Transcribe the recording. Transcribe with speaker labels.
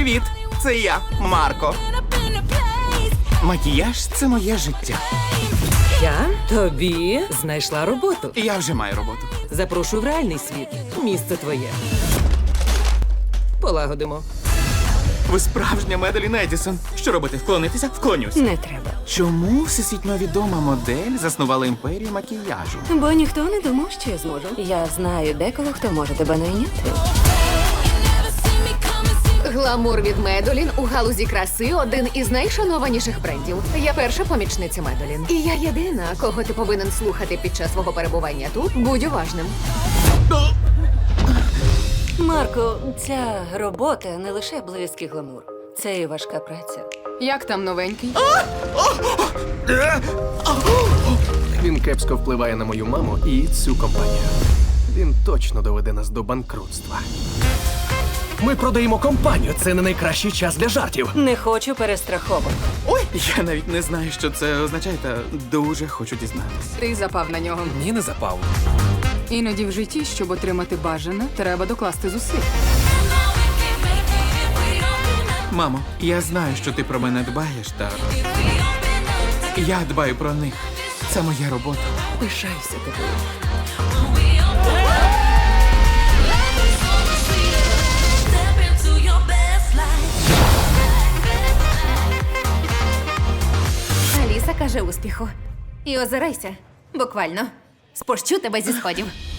Speaker 1: Привіт! Це я, Марко. Макіяж – це моє життя.
Speaker 2: Я тобі знайшла роботу.
Speaker 1: Я вже маю роботу.
Speaker 2: Запрошую в реальний світ. Місце твоє. Полагодимо.
Speaker 1: Ви справжня Меделін Едісон. Що робити? Вклонитися? Вклонюсь.
Speaker 3: Не треба.
Speaker 1: Чому всесвітньо відома модель заснувала імперію макіяжу?
Speaker 3: Бо ніхто не думав, що я зможу. Я знаю декого, хто може тебе найняти.
Speaker 4: Гламур від Медолін у галузі краси один із найшанованіших брендів. Я перша помічниця Медолін. І я єдина, кого ти повинен слухати під час свого перебування тут. Будь уважним.
Speaker 3: Марко, ця робота не лише близький гламур. Це і важка праця.
Speaker 4: Як там новенький?
Speaker 5: Він кепсько впливає на мою маму і цю компанію. Він точно доведе нас до банкрутства. Ми продаємо компанію. Це не найкращий час для жартів.
Speaker 3: Не хочу перестраховок.
Speaker 1: Ой, я навіть не знаю, що це означає, та дуже хочу дізнатися.
Speaker 4: Ти запав на нього.
Speaker 5: Ні, не запав.
Speaker 4: Іноді в житті, щоб отримати бажане, треба докласти зусиль.
Speaker 1: Мамо, я знаю, що ти про мене дбаєш, та я дбаю про них. Це моя робота.
Speaker 2: Пишаюся тобою.
Speaker 4: Аліса каже успіху. І озирайся. Буквально. Спущу тебе зі сходів.